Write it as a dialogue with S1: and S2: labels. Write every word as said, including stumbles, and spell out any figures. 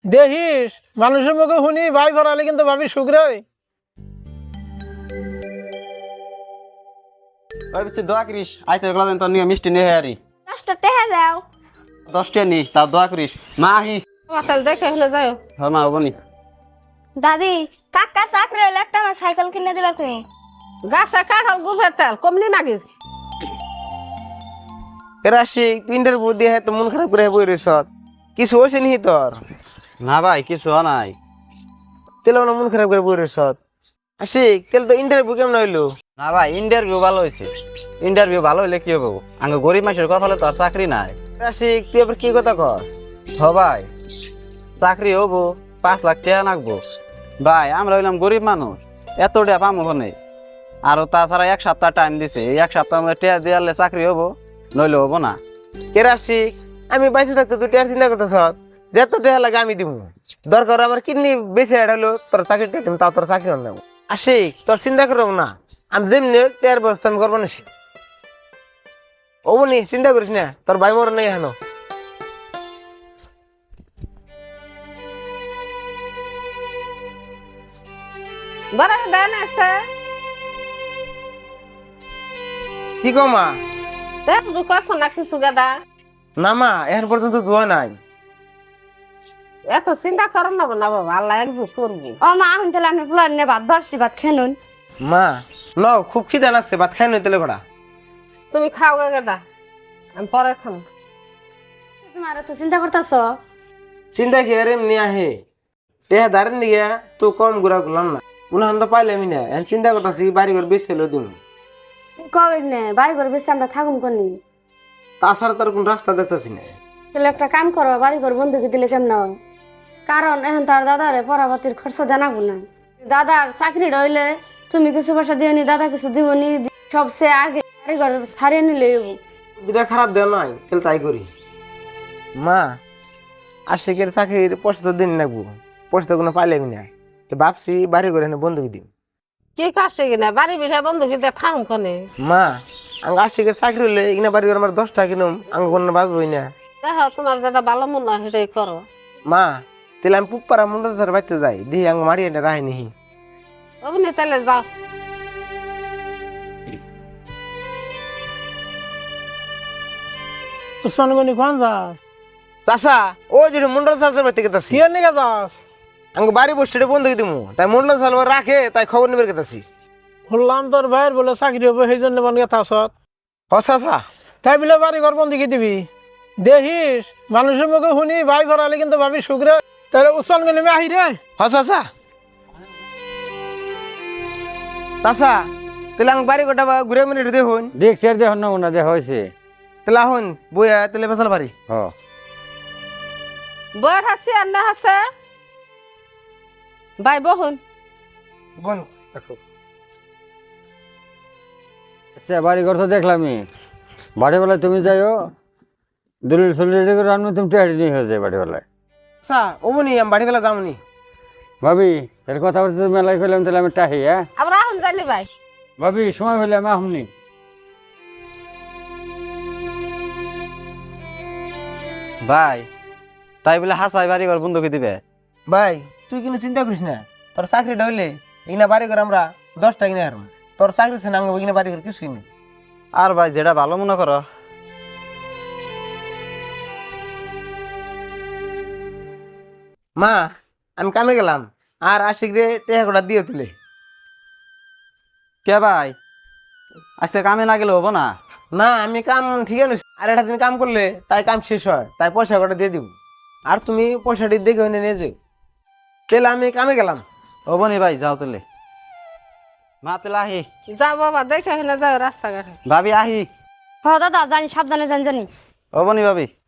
S1: দেখিস মানুষের মুখে শুনি ভাই ভরালে কিন্তু ভাবি সুখ রে।
S2: ওই বিচ্ছে দোয়া করিস আইতে গলা দেন তোর নিয়ে মিষ্টি নিয়ে হারি
S3: দশটা টেহা দাও।
S2: দশটা নি তাও দোয়া করিস মা আহি
S4: তাহলে দেখে হলে যাও।
S2: হ্যাঁ মা হবনি
S3: দাদি কাকা চাকরি হলে একটা আমার সাইকেল কিনে দিবার তুমি।
S4: গাছে কাঁঠাল গুফের তেল কমলি মাগিস।
S5: রাশি পিন্ডের বুদ্ধি হ্যাঁ তো মন খারাপ করে বই রেছ কিছু হয়েছে নি তোর?
S2: না ভাই কিছু নাই।
S5: তেল না মন খারাপ করে বই রেছ আশিক তেল তো ইন্টারভিউ কেমন হইলো?
S2: না ভাই ইন্টারভিউ ভালো হয়েছে। ইন্টারভিউ ভালো হইলে কি হবো আঙ্গ গরিব মানুষের কথা হলে তো আর চাকরি নাই।
S5: আশিক তুই আবার কি কথা কর?
S2: হ ভাই চাকরি হবো পাঁচ লাখ টাকা নাকবো। ভাই আমরা হইলাম গরিব মানুষ এত টাকা পাবো ওখানে। আর তাছাড়া এক সপ্তাহ টাইম দিছে এই এক সপ্তাহের মধ্যে টাকা দিয়ালে চাকরি হবো নইলে হবো না।
S5: কে আশিক আমি বাইশে থাকতে তুই টেয়ার চিন্তা করতেছ যত টেয়া লাগে আমি দিব দরকার আবার কিডনি বেশি হেড হলো তোর চাকরি দিম তাও তোর চাকরি নেব। আশিক তোর চিন্তা করব না আমি যেমনি টেয়ার ব্যবস্থা আমি করবো না ও নি চিন্তা করিস না তোর ভাই মর নেই হেন।
S4: বড় দেন আছে
S5: কি কো মা?
S4: দেখ দু করছ না কিছু গাদা।
S5: না মা এখন পর্যন্ত দোয়া নাই।
S4: এত চিন্তা করো না না বাবা আল্লাহ একটু করবি।
S3: ও মা এখন তাহলে আমি ফুলার নিয়ে ভাত বাড়ছি ভাত খেনুন।
S5: মা ন খুব খিদা লাগছে ভাত খাই নই তেলে কড়া।
S4: তুমি খাও গে গাদা আমি পরে খাম।
S3: তোমার তো চিন্তা করতেছ।
S5: চিন্তা কি আর এমনি আহে টেহা দাঁড়েন নিগে তো কম ঘুরা ঘুরলাম না উনাহান তো পাইলে আমি না এখন চিন্তা করতেছি বাড়ি ঘর বেশি হলো দিন
S3: কবে নে বাড়ি ঘর বেশি আমরা থাকুন কোনি।
S5: তাছাড়া তার কোন রাস্তা দেখতেছি না।
S3: তাহলে একটা কাম করো বাড়ি ঘর বন্ধুকে দিলে কেমন হয়? কারণ এখন তার দাদারে পড়াপাতির খরচ জানাবো না। দাদার চাকরি রইলে তুমি কিছু পয়সা দিও নি দাদা কিছু দিব নি সবচেয়ে আগে বাড়ি ঘর ছাড়িয়ে নিলে
S5: দুটা খারাপ দেওয়া নয় তাহলে তাই করি। মা আশিকের চাকরির পয়সা তো দিন লাগবো পয়সা তো কোনো পাইলে আমি না তো ভাবছি বাড়ি ঘরে এনে বন্ধুকে দিন।
S4: কি কাছে কিনা বাড়ি বিঘা বন্ধু কিন্তু থাম কনে।
S5: মা আঙ্গ আশিকের চাকরি হলে এখানে বাড়ি ঘর আমার দশটা কিনুম আঙ্গ কোনো বাঁচবই না।
S4: দেখো তোমার যেটা ভালো মনে হয় সেটাই করো।
S5: মা তাহলে আমি পুপারা মুন্ডা ধরে বাড়তে যাই দিহি আঙ্গ মারি এনে রাহে নিহি।
S4: অমনি তাহলে যাও।
S1: উসমানগনি কোন যাস?
S5: চাষা ও যেটা মন্ডল চাষের বাড়িতে গেতাছি
S1: কি নিয়ে যাস?
S5: আঙ্গ বাড়ি বসে বন্ধুকে দিমু তাই মন্ডল চাল রাখে তাই খবর নিবে গেতাছি।
S1: শুনলাম তোর ভাইয়ের বলে চাকরি হবে সেই জন্য মন গেথা আসত।
S5: হ চাষা
S1: তাই বলে বাড়ি ঘর বন্ধুকে দিবি? দেখিস মানুষের মুখে শুনি ভাই ভরালে কিন্তু ভাবি সুখ রে। তাহলে উসমানগনি মে আহি রে।
S5: হ চাষা চাষা তাহলে আঙ্গ বাড়ি গোটা ঘুরে মিনিট দেখুন
S2: দেখছি আর দেখুন না দেখ হয়েছে।
S5: তাহলে আহুন বইয়া তাহলে বেসাল বাড়ি।
S2: হ
S4: বয়স আছে আর না আছে ভাই বহুন
S5: বোন
S6: আচ্ছা বাড়ি ঘর তো দেখলামই বাড়িবেলায় তুমি যাইও দলিল সলিল রেডি করে আনবে তুমি টেহারি নিয়ে হয়ে যায় বাড়িবেলায়।
S5: আচ্ছা ওমনি আমি বাড়ি বেলা যামনি
S6: ভাবি এর কথা বলতে মেলায় ফেলাম তাহলে আমি টাহি হ্যাঁ
S4: আমরা এখন জানি ভাই।
S6: ভাবি সময় হলে আমি আহমনি।
S2: ভাই তাই বলে হাসাই বাড়ি ঘর বন্ধুকে দিবে?
S5: ভাই তুই কিন্তু চিন্তা করিস না তোর চাকরিটা হইলে এখানে বাড়ি করে আমরা দশটা কিনে হারম তোর চাকরি আছে না আঙ্গ এখানে বাড়ি করে কিছুই নেই।
S2: আর ভাই যেটা ভালো মনে করো।
S5: মা আমি কামে গেলাম আর আশিক রে টেহা কোটা দিয়ে তুলে।
S2: কে ভাই আজকে কামে না গেলে হবো না?
S5: না আমি কাম ঠিক আছে আর একটা দিন কাম করলে তাই কাম শেষ হয় তাই পয়সা কটা দিয়ে দিব আর তুমি পয়সাটি দেখে হইনে নিয়ে যাও। তাহলে আমি কামে গেলাম।
S2: হবো নি ভাই যাও তুলে। মা তেলে আহি।
S4: যাও বাবা দেখে হলে যাও রাস্তাঘাটে।
S2: ভাবি আহি।
S3: হ দাদা জানি সাবধানে জানি জানি।
S2: হবো নি ভাবি।